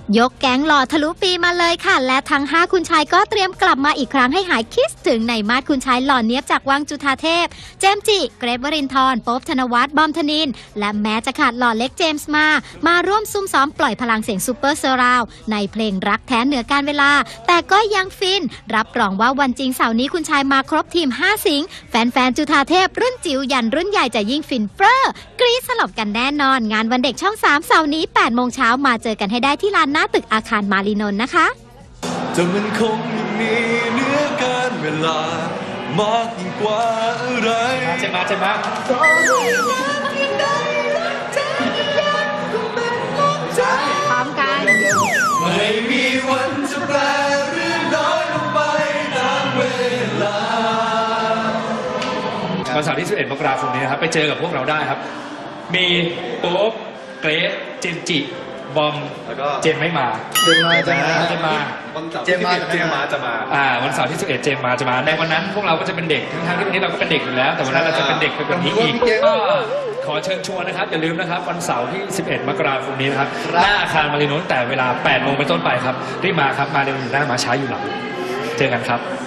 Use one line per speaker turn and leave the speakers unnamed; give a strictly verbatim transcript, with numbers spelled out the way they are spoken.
ยกแก๊งหล่อทะลุปีมาเลยค่ะและทั้งห้าคุณชายก็เตรียมกลับมาอีกครั้งให้หายคิดถึงในมาดคุณชายหล่อเนียบจากวังจุฑาเทพเจมส์จิเกรทวรินทร์โป๊ปธนวัฒน์บอมธนินทร์และแม้จะขาดหล่อเล็กเจมส์มามาร่วมซุ่มซ้อมปล่อยพลังเสียงซูเปอร์เซอร์ราวในเพลงรักแท้เหนือการเวลาแต่ก็ยังฟินรับรองว่าวันจริงเสาร์นี้คุณชายมาครบทีมห้าสิงห์แฟนๆจุฑาเทพรุ่นจิ๋วยันรุ่นใหญ่จะยิ่งฟินเฟ้อกรี๊ดสลบกันแน่นอนงานวันเด็กช่องสามเสาร์นี้แปดโมงเช้ามาเจอกันให้ได้ที่ลานหน้าตึกอาคารมารีนนท์นะคะ
จะมันคงมีเนื้อการเวลามากยิ่งกว่าอะไร
ใช่ไหมใช่ไหม
พร้อมกัน
ไม่มีวันจะแปรหรือน้อยลงไปตามเวลา
วันเสาร์ที่สิบเอ็ดมกราคมนี้นะครับไปเจอกับพวกเราได้ครับมีโป๊ปเกรทเจมส์จิบอมแล้วก็เจมไม่มา
เจมมาจะมา
เจมมา
เจมมาเจมมาจะมา
อ่าวันเสาร์ที่สิบเอ็ดเจมมาจะมาในวันนั้นพวกเราก็จะเป็นเด็กทั้งที่วันนี้เราก็เป็นเด็กอยู่แล้วแต่วันนั้นเราจะเป็นเด็กไปกว่านี้อีกก็ขอเชิญชวนนะครับอย่าลืมนะครับวันเสาร์ที่สิบเอ็ดมกราคมนี้นะครับหน้าอาคารมารีนนท์แต่เวลาแปดโมงเป็นต้นไปครับรีบมาครับมาเร็วอยู่หน้ามาช้าอยู่หลังเจอกันครับ